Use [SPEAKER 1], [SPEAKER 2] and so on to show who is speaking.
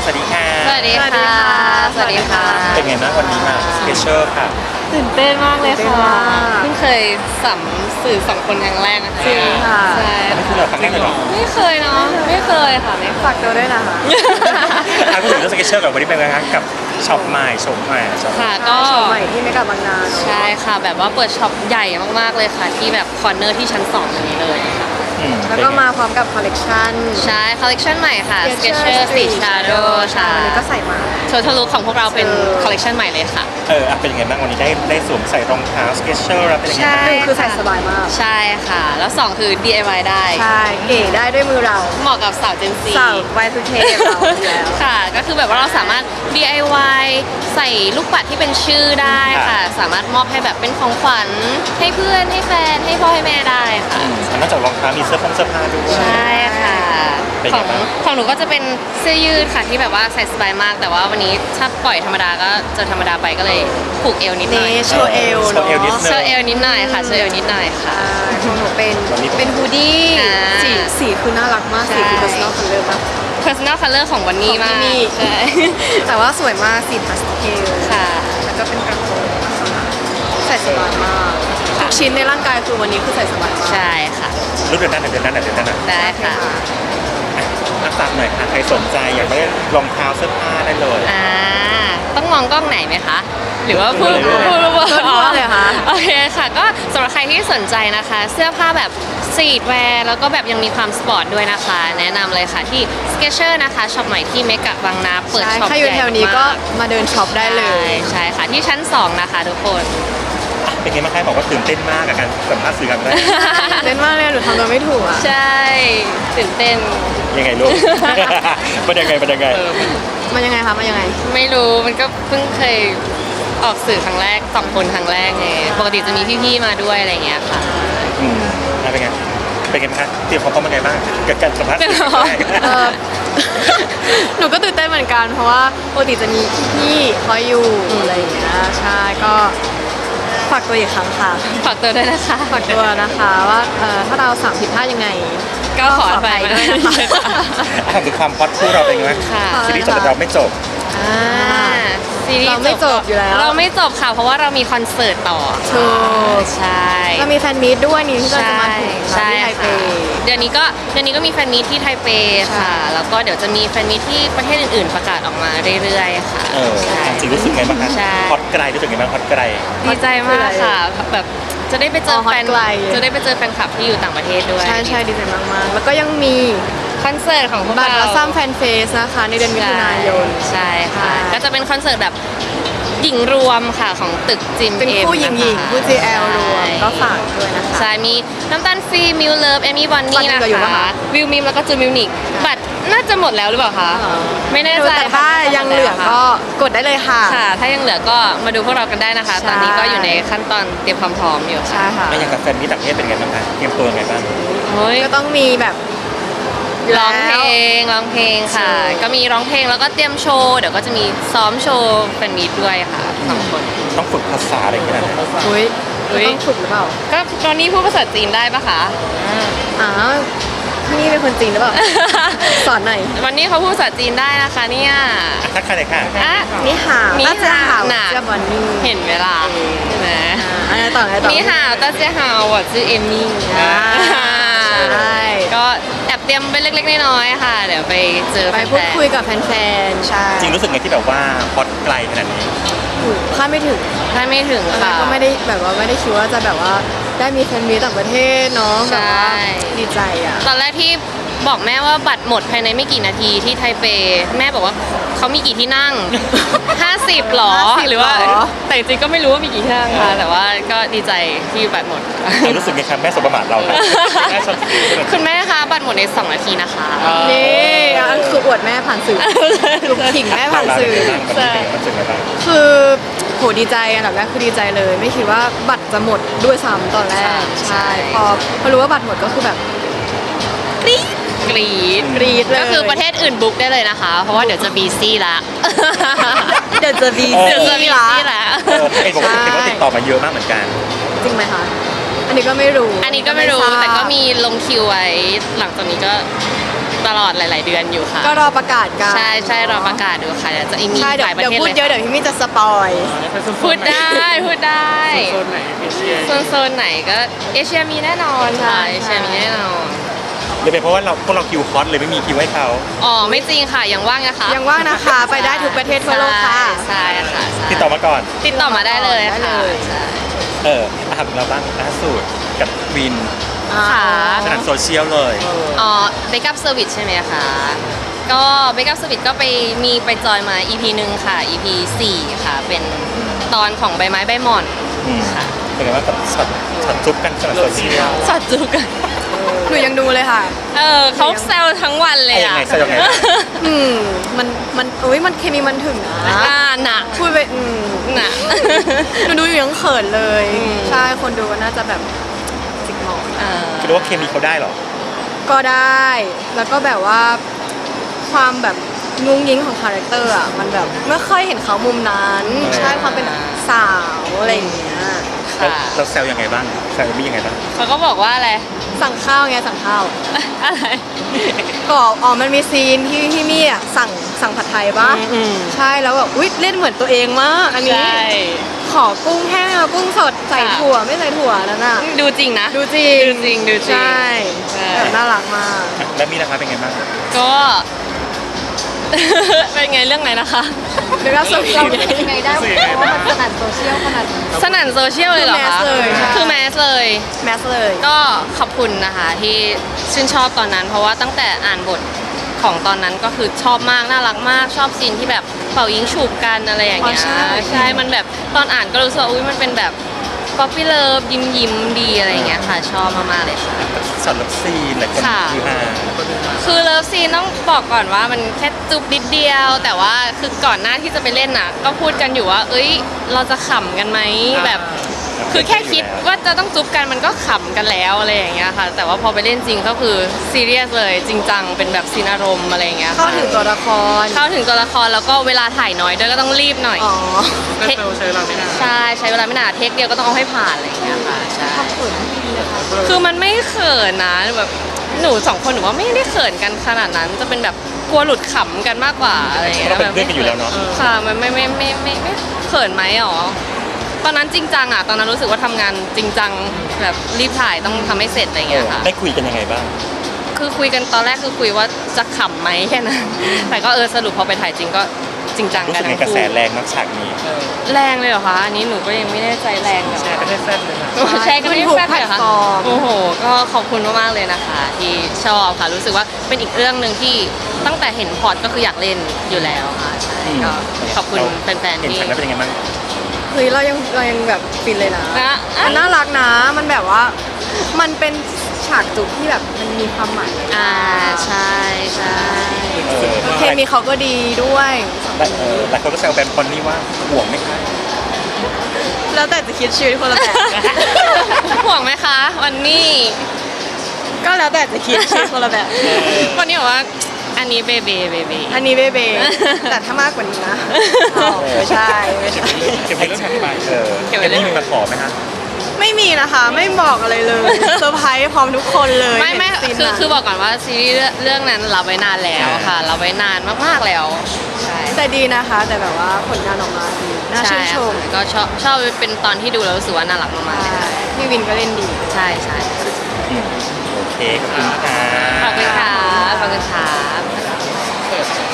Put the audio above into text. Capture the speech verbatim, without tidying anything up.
[SPEAKER 1] สวัสดีค่ะ
[SPEAKER 2] สวัสดีค่ะสวัสดีค่ะ
[SPEAKER 1] เป็นไงบ้างวันนี้มาสเปเชียลค่ะ
[SPEAKER 2] ตื่นเต้นมากเลยค่ะ
[SPEAKER 3] เพิ่งเคยสัมสื่อสองคนครั้งแรกนะคะ
[SPEAKER 2] จริงค่ะ
[SPEAKER 3] ใช่
[SPEAKER 1] นี่คือเราครั้งแรกเลยเหรอ
[SPEAKER 3] ไม่เคยเนาะไม่เคยค่ะไม่เคย
[SPEAKER 2] ฝากตัวด้วยนะคะ
[SPEAKER 1] อ่ะพูดถึงเรื่องสเปเชียลกับวันนี้เป็นไงคะกับช็อปใหม่ชมใหม่ช็อป
[SPEAKER 3] ค่ะก็
[SPEAKER 2] โชว์ใหม่ที่ไม่กลับบางนาเนอะ
[SPEAKER 3] ใช่ค่ะแบบว่าเปิดช็อปใหญ่มากๆเลยค่ะ ที่แบบคอร์เนอร์ที่ชั้นสองตรงนี้เลยค่ะ
[SPEAKER 1] อืม
[SPEAKER 2] แล้วก็มาพร้อมกับคอลเลกชัน
[SPEAKER 3] ใช่คอลเลกชันใหม่ค่ะ Skechers Street Shadow
[SPEAKER 2] ใช่
[SPEAKER 3] ใช่
[SPEAKER 2] วันนี้ก็ใส่มา
[SPEAKER 3] โชว์ทะลุของพวกเราเป็น
[SPEAKER 2] เออ
[SPEAKER 3] คอลเลกชันใหม่เลยค่ะ
[SPEAKER 1] เอออ่ะเป็นยังไงบ้างวันนี้ได้ได้สวมใส่รองเท้าสเกชเชอร์แล้วเป็นยังไง
[SPEAKER 3] ใช่
[SPEAKER 1] บ้าง
[SPEAKER 2] หนึ่งคือใส่สบายมาก
[SPEAKER 3] ใช่ค่ะ แล้วสองคือ ดี ไอ วาย ได้
[SPEAKER 2] ใช่ เก๋ได้ด้วยมือเรา
[SPEAKER 3] เหมาะกับสาวเจนซี
[SPEAKER 2] สาววายทูเคเราอยู่แล้ว
[SPEAKER 3] ค่ะ ก็คือแบบว่าเราสามารถ ดี ไอ วาย ใส่ลูกปัดที่เป็นชื่อได้ค่ะ สามารถมอบให้แบบเป็นของขวัญให้เพื่อนให้แฟนให้พ่อให้แม่ได้ค่ะ
[SPEAKER 1] อืมนอกจากรองเท้ามีเสื้อผงเสื้อผ้าด้วย
[SPEAKER 3] ใช่ค่ะ
[SPEAKER 1] เป็น
[SPEAKER 3] ข
[SPEAKER 1] ไง
[SPEAKER 3] อง
[SPEAKER 1] บ้าง
[SPEAKER 3] ของหนูก็จะเป็นเสื้อยืดค่ะที่แบบว่าใส่สบายมาก แต่ว่าวันนี้ถ้าปล่อยธรรมดาก็จะธรรมดาไปก็เลยผูกเอวนิดหน่อย
[SPEAKER 2] นี่โชว์เอว
[SPEAKER 1] โชว์เอวนิด
[SPEAKER 2] เนาะ
[SPEAKER 1] นึ
[SPEAKER 3] โช
[SPEAKER 1] ง
[SPEAKER 3] ว์เอวนิดหน่อยค่ะโชว์เอวนิดหน่อยค่ะ
[SPEAKER 2] อ่าของหนูเป็น
[SPEAKER 1] วันนี้
[SPEAKER 2] เป็นฮูดี้
[SPEAKER 3] อ่า
[SPEAKER 2] สีสีคือน่ารักมาก
[SPEAKER 3] ใช่
[SPEAKER 2] สีคือ personal color มาก
[SPEAKER 3] personal color ของวันนี้มาก
[SPEAKER 2] ของวันนี้
[SPEAKER 3] ใช่
[SPEAKER 2] แต่ว่าสวยมากสีพาสเทล
[SPEAKER 3] ค่ะ
[SPEAKER 2] แล้วก็เป็นกระโปรงลักษณะใส่สบายมากทุกชิ้นในร่างกายคือวันนี้คือใส่สบายมาก
[SPEAKER 3] ใช่ค่ะ
[SPEAKER 1] รุ่นเดือนหน้าเดือนหน้าเดือนหน้า
[SPEAKER 3] ได้ค่ะ
[SPEAKER 1] อ่ะฝากหน่อยค่ะใครสนใจอยากได้รองเท้าเสื้อผ้าได้เลย
[SPEAKER 3] อ่าต้องมองกล้องไหนไหมคะ หรือว่าพูด
[SPEAKER 1] เลย
[SPEAKER 3] พูดพูด
[SPEAKER 2] ทั่วๆเลยค่ะ
[SPEAKER 3] โอเคค่ะ ก็สำหรับใครที่สนใจนะคะ เสื้อผ้าแบบสตรีทแวร์แล้วก็แบบยังมีความสปอร์ตด้วยนะคะ แนะนำเลยค่ะที่ Skechers นะคะช็อปใหม่ที่เมกะบางนาเปิด
[SPEAKER 2] ใช่
[SPEAKER 3] ช็อป
[SPEAKER 2] ถ้าอยู่แถวนี้ก็มาเดินช็อปได้เลย
[SPEAKER 3] ใช่ค่ะที่ชั้นสองนะคะทุกคน
[SPEAKER 1] เป็นไงบ้างคะบอกว่าตื่นเต้นมากกับการสัมภาษณ์สื่อครั้งแรก
[SPEAKER 2] เต้นมากเลยหนูทำตัวไม่ถูกอ่ะ
[SPEAKER 3] ใช่ตื่นเต้น
[SPEAKER 1] ยังไงลูก เป็นยังไงเป็นยังไง
[SPEAKER 2] มันยังไงคะมันยังไง
[SPEAKER 3] ไม่รู้มันก็เพิ่งเคยออกสื่อครั้งแรกสองคนครั้งแรกไงปกติจะมีพี่ๆมาด้วยอะไรอย่างเงี้ยค่ะ
[SPEAKER 1] อืมอ่ะเป็นไง เป็นไงบ้างคะเตรียมพร้อมเป็นไงบ้างกับการสัมภาษณ์สื่อครั้งแรก
[SPEAKER 2] เออ หนูก็ตื่นเต้นเหมือนกัน เพราะว่าปกติจะมีพี่ๆคอยอยู่อะไรอย่างเงี้ยใช่ก็ฝากตัวอีกครั้งค่ะ
[SPEAKER 3] ฝากตัวด้วยนะคะ
[SPEAKER 2] ฝากตัวนะคะว่าเอ่อถ้าเราสามผิดพลาดยังไง
[SPEAKER 3] ก็ขออภัย
[SPEAKER 2] ด้วยนะคะ
[SPEAKER 1] ถามถึงความฮอตคู่เราเป็นไงบ้าง
[SPEAKER 3] ค่ะ
[SPEAKER 1] ซีรีส์จบแต่เราไม่จบ
[SPEAKER 3] อ่าซีรีส์
[SPEAKER 2] เราไม่จบอยู่แล้ว
[SPEAKER 3] เราไม่จบค่ะ เพราะว่าเรามีคอนเสิร์ตต่อ
[SPEAKER 2] ถูก
[SPEAKER 3] ใช่
[SPEAKER 2] เรามีแฟนมีตด้วยนี่ที่เราจะมาถึง
[SPEAKER 3] ใช่
[SPEAKER 2] ที่ไทเป
[SPEAKER 3] ค่ะเดือนนี้ก็เดือนนี้ก็มีแฟนมีตที่ไทเปค่ะ แล้วก็เดี๋ยวจะมีแฟนมีตที่ประเทศอื่นๆ ประกาศออกมาเรื่อยๆค่ะ
[SPEAKER 1] เออ
[SPEAKER 3] ใช่
[SPEAKER 1] จริงรู้สึกไงบ้างคะ
[SPEAKER 3] ใช่
[SPEAKER 1] ฮอตไกลรู้สึกไงบ้างฮอตไกล
[SPEAKER 3] ดีใจมากค่ะ แบบจะได้ไปเจอ
[SPEAKER 2] อ๋อฮอต
[SPEAKER 3] แฟน
[SPEAKER 2] ไกล
[SPEAKER 3] จะได้ไปเจอแฟนคลับที่อยู่ต่างประเทศด้วย
[SPEAKER 2] ใช่ใช่ดีใจมากๆ แล้วก็ยังมี
[SPEAKER 3] คอนเสิร์ตของพวก
[SPEAKER 2] บัตร
[SPEAKER 3] เรา
[SPEAKER 2] และซ้ำแฟนเฟสนะคะ ในเดือนมิถุนายน
[SPEAKER 3] ใช่ค่ะ
[SPEAKER 2] ใช่
[SPEAKER 3] ก็จะเป็นคอนเสิร์ตแบบหญิงรวมค่ะของตึกจิม
[SPEAKER 2] เป็น
[SPEAKER 3] เอ็ม
[SPEAKER 2] คู่หญิงหญิง
[SPEAKER 3] นะคะ
[SPEAKER 2] คู่ จี แอล รวมก็ฝากด้วยนะคะ
[SPEAKER 3] ใช่ มีน้ำตาลฟรีมิวเลิฟเอมี่บอน
[SPEAKER 2] บั
[SPEAKER 3] นี่
[SPEAKER 2] ตร
[SPEAKER 3] นะ
[SPEAKER 2] เหลืออยู่ปะ
[SPEAKER 3] คะ
[SPEAKER 2] คะ
[SPEAKER 3] วิวมิมแล้วก็จูมิวนิกบัตรน่าจะหมดแล้วหรือเปล่าคะ
[SPEAKER 2] อ๋อ
[SPEAKER 3] ไม่แน่ใจ
[SPEAKER 2] แต่ถ้า
[SPEAKER 3] ค่ะ
[SPEAKER 2] ยังเหลือก็กดได้เลยค่ะ
[SPEAKER 3] ค่ะ ถ้ายังเหลือก็มาดูพวกเรากันได้นะคะ
[SPEAKER 2] ใช่
[SPEAKER 3] ตอนนี้ก็อยู่ในขั้นตอนเตรียมความพร้อมอยู่ค่ะ
[SPEAKER 2] ใช่ค่ะ
[SPEAKER 1] แล้วอย่างกับแฟนมิตรต่างประเทศเป็นไงบ้างคะเตรียมตัวยังไงบ้าง
[SPEAKER 3] โอ้ย
[SPEAKER 2] ก็ต้องมีแบบ
[SPEAKER 3] ร้องเพลงร้องเพลงค่ะ
[SPEAKER 2] โชว์
[SPEAKER 3] ก็มีร้องเพลงแล้วก็เตรียมโชว์เดี๋ยวก็จะมีซ้อมโชว์แฟนมีตด้วยค่ะสองคน
[SPEAKER 1] ต้องฝึกภาษาอะไรอย่างเงี้ยนะ
[SPEAKER 2] อุ้ย
[SPEAKER 3] อุ๊ย
[SPEAKER 2] ต้องฝึกหรือเปล่า
[SPEAKER 3] ก็ตอนนี้พูดภาษาจีนได้ปะคะ
[SPEAKER 2] อ้าวที่นี่เป็นคนจีนหรือเปล่า สอนหน่อย
[SPEAKER 3] วันนี้เขาพูดภาษาจีนได้นะคะเนี่ย
[SPEAKER 1] อ่ะทักทายเลยค่ะ
[SPEAKER 3] อ่ะ
[SPEAKER 2] นี่หาว
[SPEAKER 3] นี่
[SPEAKER 2] น่าจะหาว
[SPEAKER 3] น่ะ
[SPEAKER 2] เจ้าบอนนี่
[SPEAKER 3] เห็นเวลาใช่ไหม
[SPEAKER 2] อ่าอะไรต่ออะไรต่อ
[SPEAKER 3] นี่ฮาวตาเจียฮาว我是เอมมี่
[SPEAKER 2] อ่าใช่
[SPEAKER 3] ก็แอบเตรียมไปเล็กๆน้อยๆค่ะ เดี๋ยวไปเจอ
[SPEAKER 2] ไป
[SPEAKER 3] แฟนๆ
[SPEAKER 2] พูดคุยกับแฟนๆ ใช่
[SPEAKER 1] จริงรู้สึกไงที่แบบว่าฮอตไกลขนาดนี้
[SPEAKER 2] ถูกคาดไม่ถึง
[SPEAKER 3] ถ้าไม่ถึง
[SPEAKER 2] ตอนแร
[SPEAKER 3] ค่ะ
[SPEAKER 2] กก็ไม่ได้แบบว่าไม่ได้คิดว่าจะแบบว่าได้มีแฟนมีตต่างประเทศเนาะ
[SPEAKER 3] ใช่
[SPEAKER 2] แบบว่าดีใจอ่ะ
[SPEAKER 3] ตอนแรกที่บอกแม่ว่าบัตรหมดภายในไม่กี่นาทีที่ไทเป แม่บอกว่าเขามีกี่ที่นั่ง ห้าสิบหรอ
[SPEAKER 2] ห้าสิบ
[SPEAKER 3] หรือว่า
[SPEAKER 2] หรอ
[SPEAKER 3] แต่จริงๆก็ไม่รู้ว่ามีกี่ที่นั่งค่ะ แต่ว่าก็ดีใจที่บัตรหมด
[SPEAKER 1] เรารู้สึกไงครับแม่สบประมาทเราครับแม่ชอบ
[SPEAKER 3] คุณแม่คะบัตรหมดในสองนาทีนะคะ
[SPEAKER 2] นี่อันคืออวดแม่ผ่านสื่อคือขิงแม่ผ่านสื่อ
[SPEAKER 1] ใช่รู้สึกไงบ้าง
[SPEAKER 2] คือโหดีใจอันดับแรกคือดีใจเลย ไม่คิดว่าบัตรจะหมดด้วยซ้ำตอนแรก
[SPEAKER 3] ใช่
[SPEAKER 2] ใช่พอพอรู้ว่าบัตรหมดก็คือแบบกรี๊ด
[SPEAKER 3] กรี๊ด
[SPEAKER 2] กรี๊ดเลย
[SPEAKER 3] ก็คือประเทศอื่นบุ๊กได้เลยนะคะ เพราะว่าเดี๋ยวจะบีซี่ละ
[SPEAKER 2] เดี๋ยวจะบี
[SPEAKER 1] เออ
[SPEAKER 3] เดี๋ยวจะ
[SPEAKER 2] ซี่
[SPEAKER 3] บี
[SPEAKER 2] ละ
[SPEAKER 3] ซี่ละ
[SPEAKER 1] เออเห็นบอกว่าเห็นว่าติดต่อมาเยอะมากเหมือนกัน
[SPEAKER 2] จริงไหมคะ อันนี้ก็ไม่รู้
[SPEAKER 3] อันนี้ก็ไม่รู้
[SPEAKER 2] ทาบ
[SPEAKER 3] แต่ก็มีลงคิวไว้ หลังจากนี้ก็ตลอดหลาย ๆ เดือนอยู่ค่ะ
[SPEAKER 2] ก็รอประกาศกัน
[SPEAKER 3] ใช่ใช่รอประกาศดูค่ะเดี๋ยวจะมี
[SPEAKER 2] ใช่เดี๋ย
[SPEAKER 3] ห
[SPEAKER 2] ว
[SPEAKER 3] ลายประ
[SPEAKER 2] เดี๋ยว
[SPEAKER 3] เทศ
[SPEAKER 2] พูด
[SPEAKER 3] เลย
[SPEAKER 2] เยอะเดี๋ยวพี่มี่จะสปอย
[SPEAKER 3] พูดได้พูดได้
[SPEAKER 1] โซนไหนเอเชีย
[SPEAKER 3] โซนโซนไหนก็เอเชียมีแน่นอนค่ะเอเชียมีแน่นอน
[SPEAKER 1] หรือเป็นเพราะว่าเราพวกเราคิวฮอตเลยไม่มีคิวให้เขา
[SPEAKER 3] อ๋อไม่จริงค่ะยังว่างนะคะ
[SPEAKER 2] ยังว่างนะคะไปได้ทุกประเทศทั่วโลกค่ะ
[SPEAKER 3] ใช่ค่ะใช่
[SPEAKER 1] ติดต่อมาก่อน
[SPEAKER 3] ติดต่อมาได้เลย
[SPEAKER 2] ได้
[SPEAKER 3] ค่ะ
[SPEAKER 2] เลย
[SPEAKER 3] ใช่
[SPEAKER 1] เอออาหารเราบ้างล่าสุดกับวิน
[SPEAKER 3] ค่ะ
[SPEAKER 1] สนั่นโซเชียลเลย
[SPEAKER 3] อ๋อเบคอัพเซอร์วิสใช่ไหมคะ ก็เบคอัพเซอร์วิสก็ไปมีไปจอยมา อี พี หนึ่งค่ะ อี พี สี่ค่ะ เป็นตอนของใบไม้ใบหม่อน
[SPEAKER 1] อืม
[SPEAKER 3] ค่ะ
[SPEAKER 1] เป็นไงว่างกับช็อตช็อตจุ๊บกันสนั่นโซเชียล
[SPEAKER 3] สอดจูกัน
[SPEAKER 2] หนูยังดูเลยค่ะ
[SPEAKER 3] เออเขาแซวทั้งวันเลย
[SPEAKER 1] ยั
[SPEAKER 3] อ่ะ
[SPEAKER 1] งไงแซวยังไง
[SPEAKER 2] อืมมันมันอุ้ยมันเคมีมันถึงนะ
[SPEAKER 3] อ่าหนัก
[SPEAKER 2] พูดไปอืม
[SPEAKER 3] หนัก
[SPEAKER 2] หนูดูอยู่ยังเขินเลย
[SPEAKER 3] อืม
[SPEAKER 2] ใช่คนดูก็น่าจะแบบจิกหมอน
[SPEAKER 3] เออ
[SPEAKER 1] คิดว่าเคมีเขาได้เหรอ
[SPEAKER 2] ก็ได้ แล้วก็แบบว่าความแบบงุ้งยิงของคาแรคเตอร์อ่ะมันแบบไม่ค่อยเห็นเขามุมนั้น
[SPEAKER 1] เออ
[SPEAKER 2] ใช่ความเป็นสาวอะไรอย่างเงี้ย
[SPEAKER 1] แล้ว
[SPEAKER 3] ค่ะ
[SPEAKER 1] เราแซวยังไงบ้างแซวมียังไงบ้าง
[SPEAKER 3] เขาก็บอกว่าอะไร
[SPEAKER 2] สั่งข้าวไงสั่งข้าว
[SPEAKER 3] อะไร
[SPEAKER 2] ก็อ๋อมันมีซีนที่ที่มี่อ่ะสั่งสั่งผัดไทยปะ
[SPEAKER 3] อืม
[SPEAKER 2] ใช่แล้วแบบอุ๊ยเล่นเหมือนตัวเองมากอันนี้
[SPEAKER 3] ใช่
[SPEAKER 2] ขอกุ้งแห้งเอากุ้งสดใส่
[SPEAKER 3] ค่ะ
[SPEAKER 2] ถั่วไม่ใส่ถั่วนั่นน่ะ
[SPEAKER 3] ดูจริงนะ
[SPEAKER 2] ดูจริง
[SPEAKER 3] ดูจริงดูจริง
[SPEAKER 2] ใช่
[SPEAKER 3] ใช่
[SPEAKER 2] แบบน่ารักมาก
[SPEAKER 1] แล้วมีนะคะเป็นไงบ้าง
[SPEAKER 3] ก็ เป็นไงเรื่องไหนนะคะ
[SPEAKER 2] เดี๋ยวเราสวีท
[SPEAKER 4] ยังไงได้เพราะว่ามันสนั่นโซเชียลขนาดนี้
[SPEAKER 3] สนั่นโซเชียลเลยเหรอคะ
[SPEAKER 2] คือแมสเลยใช่
[SPEAKER 3] คือแมสเลย
[SPEAKER 2] แมสเลย
[SPEAKER 3] ก็ขอบคุณนะคะที่ชื่นชอบตอนนั้น เพราะว่าตั้งแต่อ่านบทของตอนนั้นก็คือชอบมากน่ารักมากชอบซีนที่แบบเป่ายิงฉุบกันอะไรอย่างเงี้ย
[SPEAKER 2] อ๋อใช่
[SPEAKER 3] ใช่มันแบบตอนอ่านก็รู้สึกว่าอุ้ยมันเป็นแบบป๊อปปี้เลิฟยิ้มยิ้มๆดีอะไรอย่างเงี้ยค่ะ ชอบมากๆเลยค่ะ
[SPEAKER 1] ช็อตเลิฟซีนหลายคน
[SPEAKER 3] ค่ะ
[SPEAKER 1] คือฮา
[SPEAKER 3] คือเลิฟซีนต้องบอกก่อนว่ามันแค่จุบนิดเดียว แต่ว่าคือก่อนหน้าที่จะไปเล่นน่ะ ก็พูดกันอยู่ว่า เอ้ย เราจะขำกันไหมแบบ คือแค่คิดว่าจะต้องจุ๊บกันมันก็ขำกันแล้วอะไรอย่างเงี้ยค่ะ แต่ว่าพอไปเล่นจริงก็คือซีเรียสเลยจริงจังเป็นแบบซีนอารมณ์อะไรอย่างเงี้ย
[SPEAKER 2] เข้า
[SPEAKER 3] ค่ะ
[SPEAKER 2] ถึงตัวละคร
[SPEAKER 3] เข้าถึงตัวละครแล้วก็เวลาถ่ายน้อยด้วยก็ต้องรีบหน่อย
[SPEAKER 2] อ๋อ
[SPEAKER 3] เทคใช่ใช้เวลาไม่นานเทคเดียวก็ต้องเอาให้ผ่านอะไรอย่างเงี้ยค่ะใช่
[SPEAKER 2] ขอบคุณเลยค่ะ
[SPEAKER 3] คือมันไม่เขินนะแบบหนูสองคนหนูว่าไม่ได้เขินกันขนาดนั้น จะเป็นแบบกลัวหลุดขำกันมากกว่าอะไรอย่างเงี้ย
[SPEAKER 1] เราเป็นเพื่อนกันอยู่แล้วเนาะ
[SPEAKER 3] ค่ะมันไม่ไม่ไม่ไม่ไม่เขินไหมหรอตอนนั้นจริงจังอ่ะตอนนั้นรู้สึกว่าทำงานจริงจังแบบรีบถ่ายต้องทำให้เสร็จอะไรอย่างเงี้ยค่ะ
[SPEAKER 1] ได้คุยกันยังไงบ้าง
[SPEAKER 3] คือคุยกันตอนแรกคือคุยว่าจะขำไหมแค่นั้น แต่ก็เออสรุปพอไปถ่ายจริงก็จริงจัง
[SPEAKER 1] รู้
[SPEAKER 3] กั
[SPEAKER 1] สึ
[SPEAKER 3] น
[SPEAKER 1] กไง
[SPEAKER 3] ทั้ง
[SPEAKER 1] กระแส
[SPEAKER 3] คู่
[SPEAKER 1] แรงนักฉากนี้
[SPEAKER 3] แรงเลยเหรอคะอันนี้หนูก็ยังไม่แน่ใจแรงเหรอ
[SPEAKER 1] แชร์กันได้แซ่บเลยนะ
[SPEAKER 3] ใช่ก็ไม่ได้
[SPEAKER 2] ทุก
[SPEAKER 3] แป๊บ
[SPEAKER 2] แพล
[SPEAKER 3] เดียว
[SPEAKER 2] ต
[SPEAKER 3] ค่ะ
[SPEAKER 2] ฟอร์ม
[SPEAKER 3] โอ้โห ก็ขอบคุณมากๆเลยนะคะ ที่ชอบค่ะ รู้สึกว่าเป็นอีกเรื่องหนึ่งที่ตั้งแต่เห็นพอร์ตก็คืออยากเล่นอยู่แล้วค่ะใช่ก็ขอบคุณแฟนๆ
[SPEAKER 1] เห็น
[SPEAKER 3] ที่
[SPEAKER 1] ฉากนั้นเป็นยังไงบ้าง
[SPEAKER 2] เฮ้ยเรายังเรายังแบบฟินเลยนะ
[SPEAKER 3] นะ
[SPEAKER 2] มันน่ารักนะ มันแบบว่า มันเป็นฉากจุบที่แบบมันมีความหมาย
[SPEAKER 3] อ่าใช่ใช่
[SPEAKER 1] เออ
[SPEAKER 2] เคมีเขาก็ดีด้วย
[SPEAKER 1] แต่เออหลายคนก็แซวแบมคอนนี่ว่าห่วงไหมคะ
[SPEAKER 2] แล้วแต่จะคิดชีวิตคนละแบบ
[SPEAKER 3] ห่วงไหมคะ วันนี้
[SPEAKER 2] ก็แล้วแต่จะคิดชีวิตคนละแบบ
[SPEAKER 3] วันนี้บอกว่าอันนี้เบเบเบเบ
[SPEAKER 2] อันนี้เบเบแต่ถ้ามากกว่านี้นะอ๋อไม่ใช่ไม่ใช่
[SPEAKER 1] เก็บไว้เรื่องถัดไปเออเก็บนี่มีมาขอไหมคะ
[SPEAKER 2] ไม่มีนะคะ ไม่บอกอะไรเลยเซอร์ไพรส์พร้อมทุกคนเลย
[SPEAKER 3] ไม่ไม่
[SPEAKER 2] เห็น
[SPEAKER 3] คือ
[SPEAKER 2] ซีนนั้น
[SPEAKER 3] คือบอกก่อนว่าซีรีส์เรื่องนั้นรับไว้นานแล้วค่ะรับไว้นานมากๆแล้วใช่
[SPEAKER 2] แต่ดีนะคะ แต่แบบว่าผลงานออกมาดีน่าชื่นชม
[SPEAKER 3] ใค่ะก็ชอบชอบเป็นตอนที่ดูแล้วรู้สึกว่าน่ารักมากๆเลยค่ะ
[SPEAKER 2] พี่วินก็เล่นดี
[SPEAKER 3] ใช่ใช่
[SPEAKER 1] อืมโอเคขอบคุณค่ะ
[SPEAKER 3] ขอบคุณค่ะขอบคุณค่ะ